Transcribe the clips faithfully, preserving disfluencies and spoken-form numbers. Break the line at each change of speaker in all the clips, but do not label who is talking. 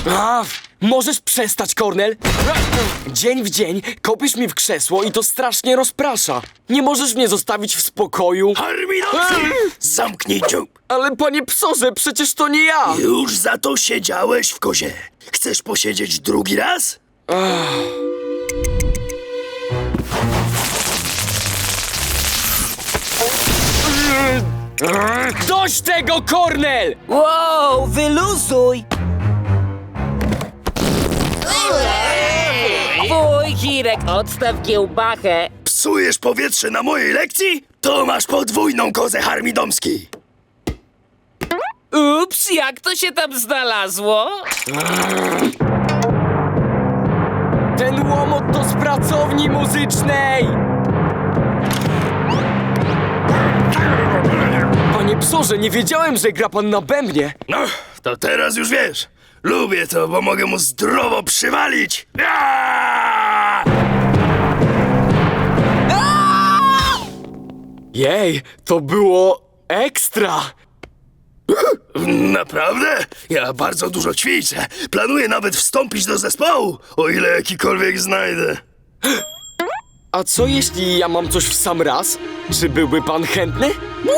A, możesz przestać, Kornel? Dzień w dzień kopisz mi w krzesło i to strasznie rozprasza. Nie możesz mnie zostawić w spokoju.
Harmidowski! Zamknij dziób!
Ale panie psorze, przecież to nie ja!
Już za to siedziałeś w kozie. Chcesz posiedzieć drugi raz?
Dość tego, Kornel!
Wow, wyluzuj! Fuj, Kirek, odstaw kiełbachę.
Psujesz powietrze na mojej lekcji? To masz podwójną kozę, Harmidomski!
Ups, jak to się tam znalazło?
Ten łomot to z pracowni muzycznej! Panie psorze, nie wiedziałem, że gra pan na bębnie.
No, to teraz już wiesz. Lubię to, bo mogę mu zdrowo przywalić. Aaaa!
Jej, to było ekstra!
Naprawdę? Ja bardzo dużo ćwiczę. Planuję nawet wstąpić do zespołu, o ile jakikolwiek znajdę.
A co jeśli ja mam coś w sam raz? Czy byłby pan chętny?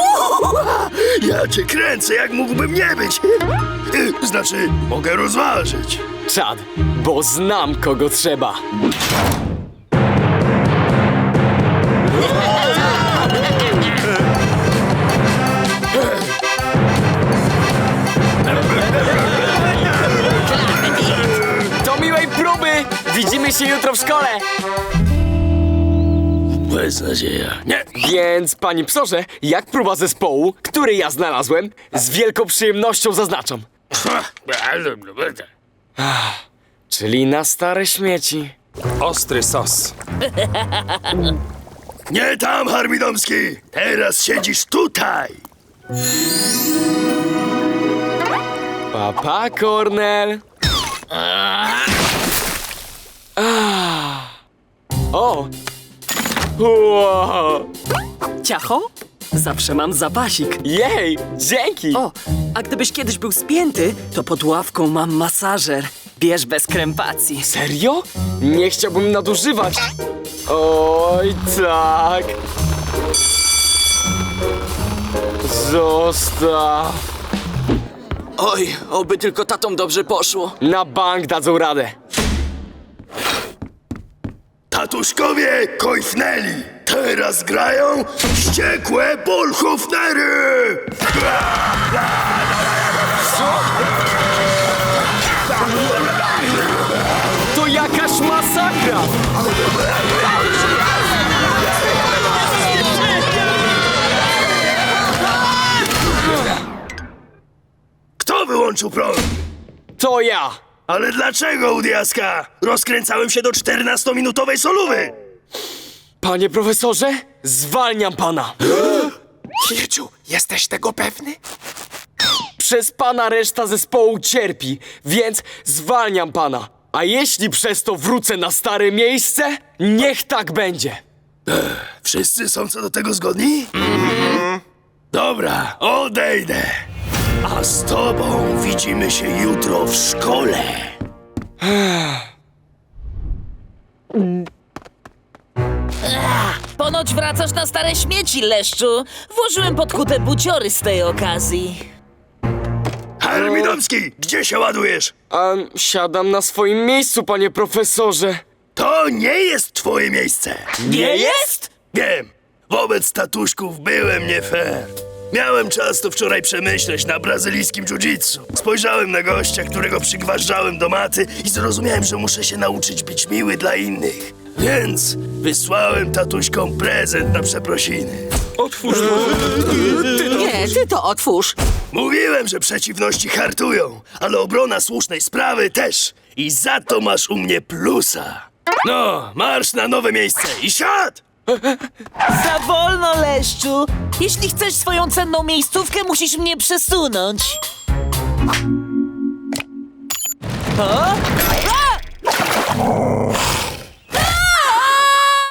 Ja cię kręcę, jak mógłbym nie być. Y, Znaczy, mogę rozważyć.
Czad, bo znam kogo trzeba. Do miłej próby! Widzimy się jutro w szkole!
Beznadzieja. Nie.
Więc, panie psorze, jak próba zespołu, który ja znalazłem, z wielką przyjemnością zaznaczam. Czyli na stare śmieci.
Ostry sos.
Nie tam, Harmidomski! Teraz siedzisz tutaj!
Papa, Kornel. Ah. O! Wow.
Ciacho? Zawsze mam zapasik.
Jej, dzięki!
O, a gdybyś kiedyś był spięty, to pod ławką mam masażer. Bierz bez krępacji.
Serio? Nie chciałbym nadużywać. Oj, tak. Zostaw.
Oj, oby tylko tatom dobrze poszło.
Na bank dadzą radę.
Tatuszkowie kojfnęli! Teraz grają wściekłe bolhofnery!
To jakaś masakra!
Kto wyłączył prąd?
To ja!
Ale dlaczego, u diaska? Rozkręcałem się do czternastominutowej solówy!
Panie profesorze, zwalniam pana.
Hirciu, jesteś tego pewny?
Przez pana reszta zespołu cierpi, więc zwalniam pana. A jeśli przez to wrócę na stare miejsce, niech tak będzie.
Wszyscy są co do tego zgodni? Mhm. Dobra, odejdę. A z tobą widzimy się jutro w szkole.
Ponoć wracasz na stare śmieci, Leszczu. Włożyłem pod kutę buciory z tej okazji.
Harmidomski, gdzie się ładujesz?
A siadam na swoim miejscu, panie profesorze.
To nie jest twoje miejsce.
Nie jest?
Wiem, wobec tatuszków byłem nie fair. Miałem czas to wczoraj przemyśleć na brazylijskim jiu-jitsu. Spojrzałem na gościa, którego przygważdżałem do maty i zrozumiałem, że muszę się nauczyć być miły dla innych. Więc wysłałem tatuśkom prezent na przeprosiny.
Otwórz to.
Nie, ty to otwórz.
Mówiłem, że przeciwności hartują, ale obrona słusznej sprawy też. I za to masz u mnie plusa. No, marsz na nowe miejsce i siad!
Za wolno, Leszczu. Jeśli chcesz swoją cenną miejscówkę, musisz mnie przesunąć. O? A!